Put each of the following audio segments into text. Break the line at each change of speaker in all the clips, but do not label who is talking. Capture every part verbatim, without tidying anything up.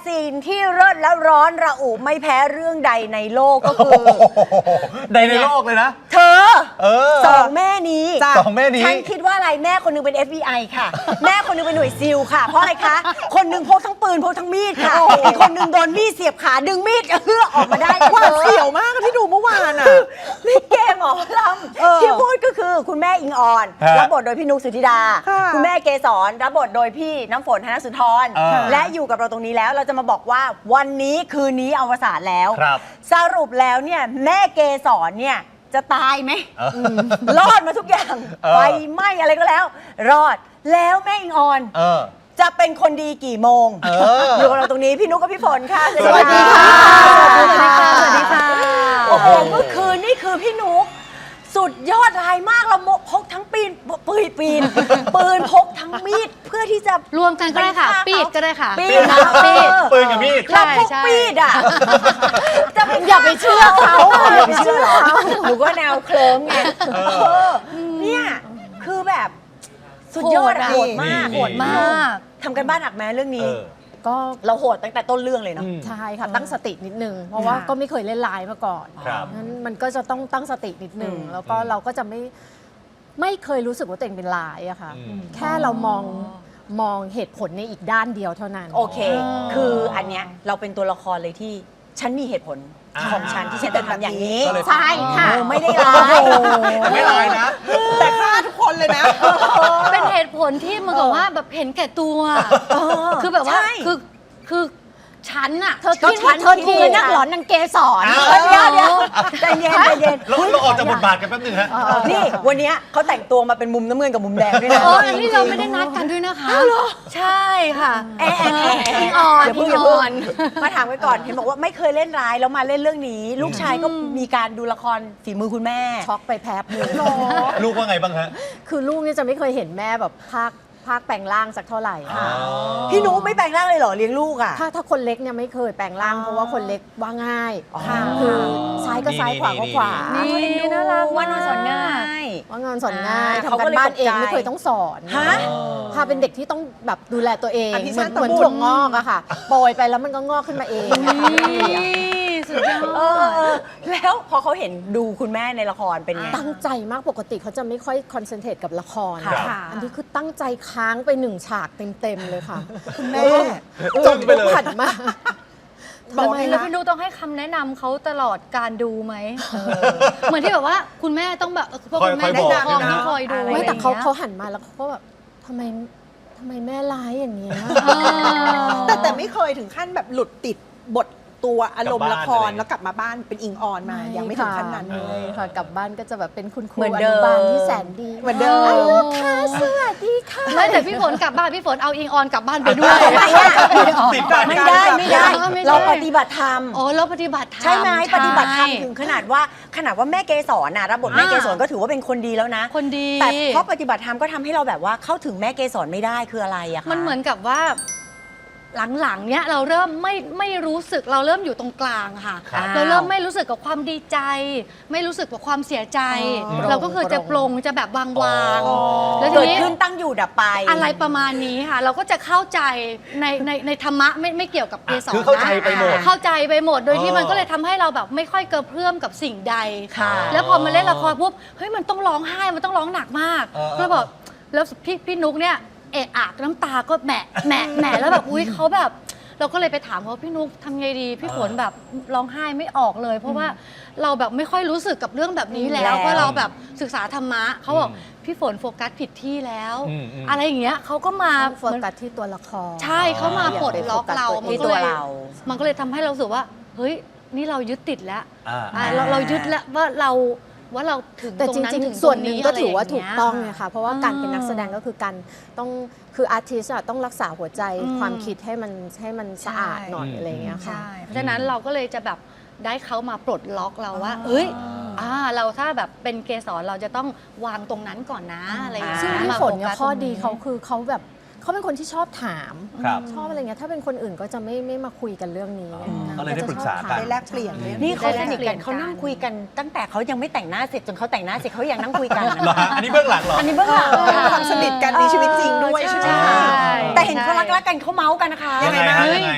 ซีนที่เลิศและร้อนระอุไม่แพ้เรื่องใดในโลกก็คือ
ใดในโลกเลยนะ
เธอ
เออ
สองแม่นี้
สองแม่นี้
ฉันคิดว่าอะไรแม่คนหนึงเป็น เอฟ บี ไอ ค่ะ แม่คนหนึงเป็นหน่วยซิลค่ะ เพราะอะไรคะ คนหนึงพกทั้งปืนพกทั้งมีดค่ะ อีกคนหนึงโดนมีดเสียบขาดึงมีดเอื้อออกมาได้
หวาดเสียวมากที่ดูเมื่อวานอ่ะ
ลิเกหมอล
เออ
ำที่พูดก็คือคุณแม่อิงออน
ฮะ
รับบทโดยพี่นุกสุธิดา
ค่ะ
คุณแม่เกสรรับบทโดยพี่น้ำฝนธนสุนทร
เออ
และอยู่กับเราตรงนี้แล้วเราจะมาบอกว่าวันนี้คืนนี้อวสานแล้ว
ครับ
สรุปแล้วเนี่ยแม่เกสรเนี่ยจะตายไหม
เออ
รอดมาทุกอย่าง
เออ
ไฟไหม้อะไรก็แล้ว รอดแล้วแม่อิงออน
เออ
จะเป็นคนดีกี่โมง
เออ
อยู่กับเราตรงนี้พี่นุกกับพี่ฝนค่ะ
สวัสดีค่ะ
สวัสดีค่ะ
สวัสดีค่ะ
โอ้โหเมื่อคืนนี่คือพี่นุกสุดยอดรายมากเราพกทั้งปีนปืนปีน ปืนพกทั้งมีดเพื่อที่จะ
รวมกันก็ได้ค่ะ
ไปฆ่าเขา
ปีดก็ได้ค่ะ
ปีด
นะปีด
ปืนกับมีด
เราพก
ใช่
ปีดอ่ะจะไป
อย่าไปเชื่อเขา
อย่าไปเชื่อเขาหนูก็แนวเคลิ้มไงเออเนี่ยคือแบบสุดยอดอะโหดมาก
นี่
โหดมาก
ทำกันบ้านหนักแม้เรื่อง
เอ
นี้
อ
ก็
เราโหดตั้งแต่ต้นเรื่องเลยเนาะ
อืม
ใช่ค่ะตั้งสตินิดนึง เพราะว่า
ค่ะ
ก็ไม่เคยเล่นไลน์มาก่อน
ครับ
นั้นมันก็จะต้องตั้งสตินิดนึง
อืม
แล้วก็
อืม
เราก็จะไม่ไม่เคยรู้สึกว่าตัวเองเป็นไลน์อะค่ะ
อืม
แค่เรามองมองเหตุผลในอีกด้านเดียวเท่านั้น
โอเค คืออันเนี้ยเราเป็นตัวละครเลยที่ฉันมีเหตุผล
อ่า
ของฉันที่ฉันจะทำอย่างนี้
ก็เลย
ใช่ค่ะ
เออไม่ได้ร้าย
แต่ไม่ลายนะ
แต่ฆ่าทุกคนเลยนะ
เป็นเหตุผลที่มันกับว่าแบบเห็นแก่ตัว คือแบบว่า
ใช่
คือคือฉันอะ
เธอ
ก็
คิด
ฉั
ว่าน เธอ
คิด
คือนักหลอนนางเกสร
อ้าว
เดี๋ยวเดี๋ยวใจเย็นใจเย็น
เราเราออกจากบทบาทกันแป๊บนึงฮะ
นี่วันเนี้ยเขาแต่งตัวมาเป็นมุมน้ำเงินกับมุมแดงด้วยนะ
เอออันนี้เราไม่ได้นัดกันด้วยนะคะใช่ค่ะ
แอนแอนแอนแอน
อิงออน
อย่าเพิ่ง
อิ
อย่าง เพิ่
อง อน
มาถามไว้ก่อนเห็นบอกว่าไม่เคยเล่นร้ายแล้วมาเล่นเรื่องนี้ ลูกชายก็มีการดูละครฝีมือคุณแม่
ช็อกไปแป๊บนึง
ลูกว่าไงบ้างฮะ
คือลูกเนี่ยจะไม่เคยเห็นแม่แบบภาคภาคแปลงร่างสักเท่าไหร่
อ๋อ
พี่นุ๊กไม่แปลงร่างเลยเหรอเลี้ยงลูกอ่ะ
ถ้าถ้าคนเล็กเนี่ยไม่เคยแปลงร่างเพราะว่าคนเล็กว่าง่าย
อ๋อ
ค่ะคือซ้ายก็ซ้ายขวาก็ขวา
นี่ น่ารัก
ว่านอนสอนง่าย
ว่างานสอนง่าย
อ่า
ทำ
เขาก็
กัน
เลย
บ้าน
ตกใจ
เองไม่เคยต้องสอน
ฮะ
พาเป็นเด็กที่ต้องแบบดูแลตัวเอง
อภิ
เหมื
ชา
อน
ติ
เหมือน
บุตร
ถั่วงอกอะค่ะโปรยไปแล้วมันก็งอกขึ้นมาเองอะค่ะ
สุดยอ
เออ
ด
เออแล้วพอเขาเห็นดูคุณแม่ในละครเป็นไง
ตั้งใจมากปกติเขาจะไม่ค่อยคอนเซนเทรตกับละคร
ครับ
ค่ะอันนี้คือตั้งใจค้างไปหนึ่งฉากเต็มๆเลยค่ะ
คุณแม่
จนปุ๊บหันมา
บอก
ทำไม
แล้ว
นะ
พี่นุต้องให้คำแนะนำเขาตลอดการดูไหมเหมือนที่แบบว่าคุณแม่ต้องแบบเออพวกคุณแม่
คอยบอก
ผู้ปกครอง
ด้วยนะ
ต้องคอยดู
ไม่แต่เขา
อะไรอย่งงี้ย
เขาหันมาแล้วเขาก็แบบทำไมทำไมแม่ร้ายอย่างเงี้ย
แต่แต่ไม่เคยถึงขั้นแบบหลุดติดบทตัวอารมณ์
กลั
ละ
บ
ค
บ้าน
ร
อะไร
แล้วกลับมาบ้านเป็นอิงออนมา ยังไม่ถึงขั้นนั้น
ไม่ค่ะกลับบ้านก็จะแบบเป็นคุณครู
เหมือน
อ
เดิ
นุ
ม
บาลที่แสนดี
เหมือนเดิม
ลูกค้าสวัสดีค่ะ
ไม่แต่พี่ฝนกลับบ้านพี่ฝนเอาอิงออนกลับบ้านไปด้วย
ไม่ได้
ติดกัน
ไม่ได้ไม่ได้
ไม่ใช่
เราปฏิบัติธรรม
โอ้แล้วปฏิบัติธรรม
ใช่ไหมปฏิบัติธรรม
ใช่
ถึงขนาดว่าขนาดว่าแม่เกสรนะรับบทแม่เกสรก็ถือว่าเป็นคนดีแล้วนะ
คนดี
แต่เพราะปฏิบัติธรรมก็ทำให้เราแบบว่าเข้าถึงแม่เกสรไม่ได้คืออะไรอะคะ
มันเหมือนกับว่าหลังๆเนี้ยเราเริ่มไม่ไม่รู้สึกเราเริ่มอยู่ตรงกลางค่ะ
ครับ
เราเริ่มไม่รู้สึกกับความดีใจ ไม่รู้สึกกับความเสียใจ
อ๋อ
เราก็คือจะปลงจะแบบวางวางๆ
อ๋อ
แล้วที
เกิด
นี้
ขึ้นตั้งอยู่ดับไป
อะไรประมาณนี้ค่ะ เราก็จะเข้าใจในในในธรรมะไม่ไม่เกี่ยวกับเกสร
คือเข้าใจไปหมด
เข้าใจไปหมดโดยที่
อ๋อ
มันก็เลยทำให้เราแบบไม่ค่อยเกระเพื่อมกับสิ่งใด
ค่ะ
แล้วพอมาเล่นละครปุ๊บเฮ้ยมันต้องร้องไห้มันต้องร้องหนักมาก
เออเออ
แล้วบอกแล้วพี่พี่นุ๊กเนี่ยเอะอะน้ำตาก็แหมะแหมะแหมะแล้วแบบอุ้ยเขาแบบ เราก็เลยไปถามเขาพี่นุ๊กทำไงดี พี่ฝนแบบร้องไห้ไม่ออกเลย เพราะว่าเราแบบไม่ค่อยรู้สึกกับเรื่องแบบนี้แล้
แล้ว ว
เพราะเราแบบศึกษาธรรมะเขาบอก
อืม
พี่ฝนโฟกัสผิดที่แล้ว
อืมอืม
อะไรอย่างเงี้ยเขาก็มา
ต้องโฟกัสที่ตัวละคร
ใช่เขามาปลดล็อกเรา
อย่าไปโฟกัส
ที่ตัวเรา
มันก็เลยทำให้เรารู้สึกว่า เฮ้ย นี่เรายึดติดแล้ว
อ่า
อ่าเราเรายึดแล้วว่าเราว่าเราถึง
แต่
ตรง
จ
นั้น
ริง
ถึง
ๆ ส่วนหนึ่งก็ถือว่า
ะไร
ถู
ย่
ก
เย
ต้องไงคะเพราะว่าการเป็น
อ่า
นักแสดงก็คือการต้องคืออาร์ติสต์ต้องรักษาหัวใจ
อืม
ความคิดให้มันให้มันสะอาดหน่อย
ใช่
อะไรอย่างเงี้ยค่ะ
ใช่ เพราะฉะนั้นเราก็เลยจะแบบได้เขามาปลดล็อกเราว่า เอ้ยอ่าเราถ้าแบบเป็นเกสรเราจะต้องวางตรงนั้นก่อนนะอะไรอย่างเงี้ย
ซึ่งพี่
มา
ฝ
โฟ
นเนี่ย
กัส
ข้อ
ตรง
ดี
นี้
เขาคือเขาแบบเขาเป็นคนที่ชอบถาม
ครับ
ชอบอะไรเงี้ยถ้าเป็นคนอื่นก็จะไม่ไม่มาคุยกันเรื่องนี้
อ๋อ
นะ
ก็เลยได้ปรึกษากัน
ได้แลกเปลี่ยนเลย
นี่เขาส
ได้
นิท
เปลี่
กั
ย
น
น
เขานั่ง
กัน
คุยกันตั้งแต่เขายังไม่แต่งหน้าเสร็จจนเขาแต่งหน้าเสร็จเขายังนั่งคุยกัน
เหรอฮะอันนี้เบื้องหลังเหรอ
อันนี้เบื้องหลังค่ะ
ความสนิทกันในชีวิตจริงด้วยใช่ไหม
ใช่
คะ
แต่เห็นเขารักๆกันเขาเมาส์กันนะคะ
ยังไงฮะ
เฮ้ย
ยังไง
เอ้ย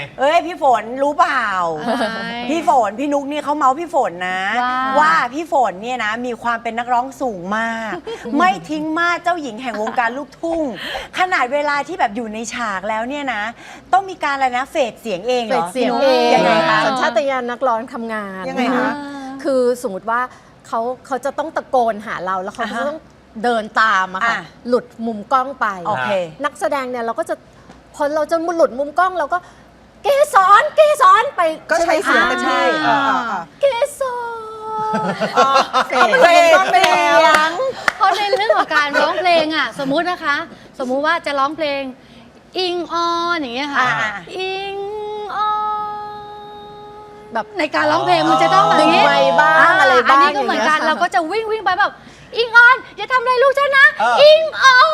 พี่ฝนรู้เปล่า พี่ฝนพี่นุ๊กนี่เขาเมาส์พี่ฝนนะ
ว่า
ว่าพี่ฝนเนี่ยนะมีความเป็นนักร้องสูงมาก ไม่ทิ้งมาสเจ้าหญิงแห่งวงการลูกทุ่ง ขนาดเวลาที่แบบอยู่ในฉากแล้วเนี่ยนะ ต้องมีการอะไรนะเฟดเสียงเองเห
เฟ
ร
ด
อ
เสียง
พี่
เอ
นุ๊ก
ง
ยังไงคะ
สัญชาตญาณนักร้องทำงาน
ยังไงคะ
คือสมมติว่าเขาเขาจะต้องตะโกนหาเราแล้วเขา
อ่า
จะ
ฮะ
ต้องเดินตามอะค่ะ
อ่ะ
หลุดมุมกล้องไป
โอเค
นักแสดงเนี่ยเราก็จะพอเราจะหลุดมุมกล้องเราก็เกสรเกสรไป
ก็ใช้เสียง
ไหม
เต็ม
คะ
ที่
อ่า
อ่าอ่า
เกสร
เฟดเฟดก็ไปแล้ว
เพราะในเรื่องของการร้องเพลงอ่ะสมมุตินะคะ สมมุติว่าจะร้องเพลงอิงออนอย่างเงี้ยค่ะ
อ่า
อิงออน
แบบ
ในการร้องเพลงมันจะต้องแบบนี้
ดึงไมค์บ้างอะไรบ้าง
อันนี้ก็เหมือนกัน
อย่างเงี้ย
เราก็จะวิ่งวิ่งไปแบบอิงออนอย่าทำอะไรลูกฉันนะ
เออ
อิงออน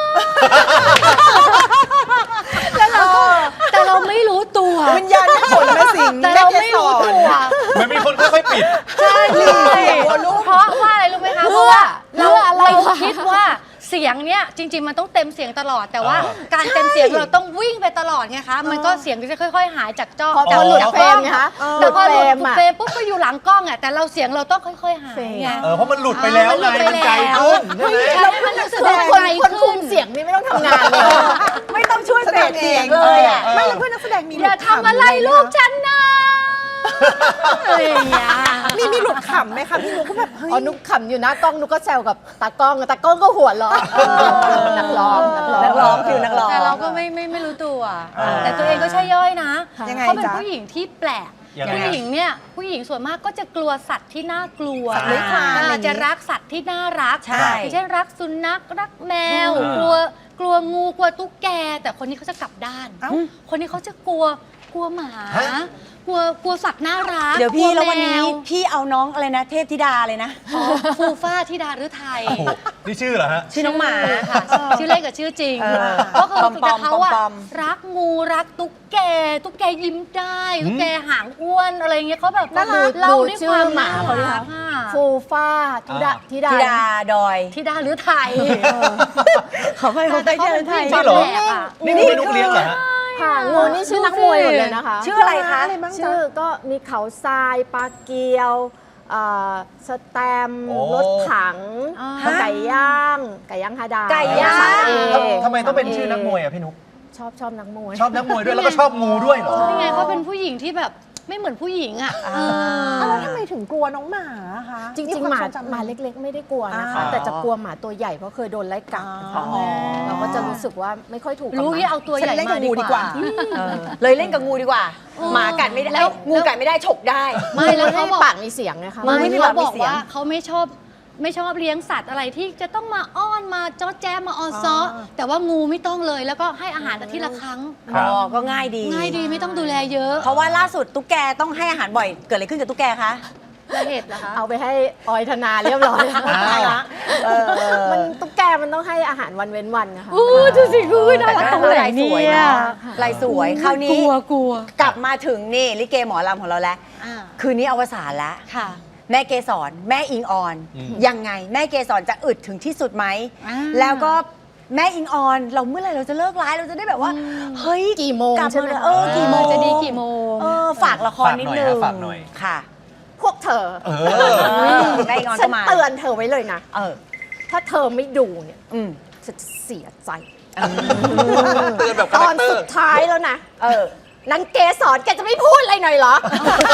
แล้วเราก็แต่เราไม่รู้ตัว
วิญญาณแม่ฝนมาสิง
แต่
แม่
เรา
เก
ไม่
ส
รู้
ร
ตัว
เหมือนมีคนค่อยๆปิด
ใช่เพราะว่าอะไรรู้ไหมคะ เพราะว่าเรา
เพื่ออะไร
เรา
วะ
คิดว่าเสียงเนี้ยจริง ๆ มันต้องเต็มเสียงตลอด แต่ว่า
อ่า
การเต็มเสียงเราต้องวิ่งไปตลอดไงคะ มันก็เสียงก็จะค่อย ๆ หายจากจ้อ
พอ
จาก
พอหลุด
จาก
เฟร
กล้
ม
อง
ไงคะ
แต่พอหลุด
อะ
เฟรมปุ๊บก็อยู่หลังกล้องอ่ะแต่เราเสียงเราต้องค่อยๆหายไง
เออเพราะมันหลุดไปแล้ว
อ่ามันหลุ
ไง
ดไป
มันไกล
แล้ว
ขึ้นใช่ไหม
ใช่ให้มันรู้สึก
คือ
ว่า
คน
ไกล
คนคุ
ขึ้
ม
น
เสียงนี่ไม่ต้องทำงานเลย
ไม่ต้องช่วย
แส
เฟ
ด
ด
งเอ
เสีย
ง
งเลยอ่ะ
ไม่แล้วเพื่อนนักแสดงมี
อย่าทำอะไรลูกฉันนะอะไรอย่างเงี้ย
มีมีหลุดขำไหมคะพี่นุ๊กก็แบบเฮ้ย
อ๋อนุกขำอยู่นะกล้องนุกก็แซวกับตากล้องตากล้องก็หัวเราะเออนักร้องนักร้อง
นักร้องฟิลนักร้อง
แต่เราก็ไม่ไม่ไม่รู้ตัว
อ่า
แต่ตัวเองก็ใช่ย่อยนะ
ยังไง
เขาเป็น
จ๊ะ
ผู้หญิงที่แปลก
ยังไง
ผู้หญิงเนี่ยผู้หญิงส่วนมากก็จะกลัวสัตว์ที่น่ากลัว
สัตว์เลื้อยคลานอะไรอย่างงี้
จะรักสัตว์ที่น่ารัก
ใช่
อย่างเช่นรักสุนัขรักแมว
อืม
กลัวกลัวงูกลัวตุ๊กแก แต่คนนี้เขาจะกลับด้าน
เอ้า
คนนี้เขาจะกลัวกลัวหมา
ฮะ
กลัวกลัวสัตว์น่ารัก
เดี๋ยวพี่
ก
แล้ววันนี้
ม
พี่เอาน้องอะไรนะเทพธิดาเลยนะ
อ๋อฟูฟ้าธิดาฤทัย
โอ้โหนี่ชื่อเหรอฮะ
ชื่อน้องหมา
ค่ะ ชื่อเล่นกับชื่อจริง
เออ
ก็คือ
ปอมๆ
แต่เขาอะ
ปอม
รักงูรักตุ๊กแก ตุ๊กแกยิ้มได้ตุ๊กแกหางอ้วนอะไรเงี้ยเขาแบบ
น่ารัก
เล่า
ดู
ด้วย
ชื่
ค
อ
วาม
หมา
น่า
เขาดิ
รั
คะ
กอะ
ฟูฟ้าธิดา
อ่า
ธิดา
ธิดาดอย
ธิดาฤทัย
เขาไปเขาไป
แต่เขา
เดิ
เป็น น
ไท
ผู้หญิ
ย
ง
จริงเหรอ
แปลกอะ
นี่คือนุกเลี้ยงเหรอฮะ
ค่ะงูนี่ชื่อนักมวยหมดเลยนะคะ
ชื่ออะไรคะ
อะไรบ้างจ๊ะ
ชื่อก็มีเขาทรายปลาเกียวเอ่อสแตมป์
โอ้
รถถัง
อ่า
ไก่ย่าง ไก่ย่างฮาดา
ไก่ย่าง
สมเอ
ทำไมต้องเป็นชื่อนักมวยอ่ะพี่นุก
ชอบชอบนักมวย
ชอบนักมวยด้วยแล้วก็ชอบงูด้วยเหรอ
นี่ไงเขาเป็นผู้หญิงที่แบบไม่เหมือนผู้หญิงอะเออ
อ้าวแล้วทำไมถึงกลัวน้องหมาอะคะ
จริง
คว
ๆ หมา
ทจำ
หมาเล็กๆ ไม่ได้กลัวนะคะ
อ่า
แต่จะกลัวหมาตัวใหญ่เพราะเคยโดนไล่กัด
อ๋อ
เราก็จะรู้สึกว่าไม่ค่อยถูกกับ
รู้
หมา
ที่เอาตัวใหญ่
ฉันเล่นกั
มา
บงู
ดี
ดี
ก
ก
ว่า
ว่า
เออเลยเล่นกับงูดีกว่า
เออ
หมากัดไม่ได้
แล้ว
งูกัดไม่ได้ฉกได้
ไม่แล้วเขาบอก
ปากมีเสียงนะคะ
ไม่
ไม่มี
เขา
ปากมี
บอก
เสียง
ว่าเขาไม่ชอบไม่ชอบเลี้ยงสัตว์อะไรที่จะต้องมาอ้อนมาจ้อแจ้มาออซ้ออ
อ
แต่ว่างูไม่ต้องเลยแล้วก็ให้อาหารอาทิตย์ละครั้ง
ครั
อ๋
บ
อ ก็ง่ายดี
ง่ายดีไม่ต้องดูแลเยอะ
เพราะว่าล่าสุดตุ๊กแกต้องให้อาหารบ่อย เกิดอะไรขึ้นกับตุ๊กแกคะ
ละเหตุเหรอคะ
เอาไปให้ออยธนาเรียบร้อยแล้ว
อ้าว
เออ
มันตุ๊กแกมันต้องให้อาหารวันเว้นวันนะคะ
อู้ดูสิคือน่ารักตรงไหน
ลายส
เนี่
วย
ย
เนาะลายสวย คราวนี้
กลัวกลัว
กลับมาถึงนี่ลิเกหมอลำของเราแล้ว
อ่า
คืนนี้อวสานแล้ว
ค่ะ
แม่เกสรแม่อิงออน
อืม
ยังไงแม่เกสรจะอึดถึงที่สุดไหม
อ่า
แล้วก็แม่อิงออน เราเมื่อไหร่เราจะเลิกร้ายเราจะได้แบบว่า เฮ้ย
กี่โมง
กลับ
ใช่ไหม
า
คะ
เออกี่โมง
จะดีกี่โมง
เออฝากละครนิดนึง
ฝากหน่อยฮะฝากหน่อย
ค่ะ
พวกเธอ
เอ
เอ
อ
อแม่อิงออน
ฉั
ก็
น
มา
เตือนเธอไว้เลยนะ
เออ
ถ้าเธอไม่ดูเนี่ย
อืม
ฉันจะเสียใจ
เตือนแบบ
ต
คา
อ
แร
น
คเตอ
สุ
ร์
ดท้ายแล้วนะ
เออ
นังเกสรแกจะไม่พูดอะไรหน่อยเหรอ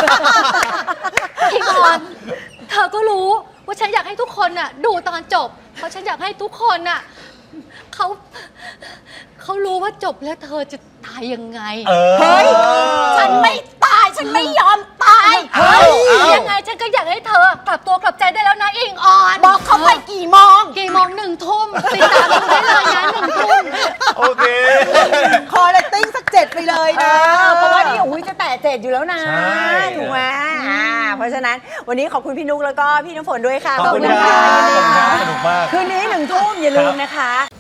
พี่กรณ์เธอก็รู้ว่าฉันอยากให้ทุกคนน่ะดูตอนจบ เพราะฉันอยากให้ทุกคนน่ะเขาเขารู้ว่าจบแล้วเธอจะตายยังไง
เออ
เฮ้ย
ฉันไม่ตาย ฉันไม่ยอมตาย
เฮ้ย
ยังไงฉันก็อยากให้เธอกลับตัวกลับใจได้แล้วนะอิงออน
บอกเขาไปกี่โมง
กี่โมงหนึ่งทุ่มติดตามดูได้เลยนะหนึ่งทุ่ม
โอเค
คอเลตติ้งสักเจ็ดไปเลย
เอ
นะ
อเพราะว่านี่อุ้ยจะแตะเจ็ดอยู่แล้วนะ
ใช่
ถูกไหมอ่าเพราะฉะนั้นวันนี้ขอบคุณพี่นุ๊กแล้วก็พี่น้ำฝนด้วยค่ะ
ขอบคุณครับขอบคุณครับสนุกมาก
คืนนี้หนึ่งทุ่มอย่าลืมนะคะ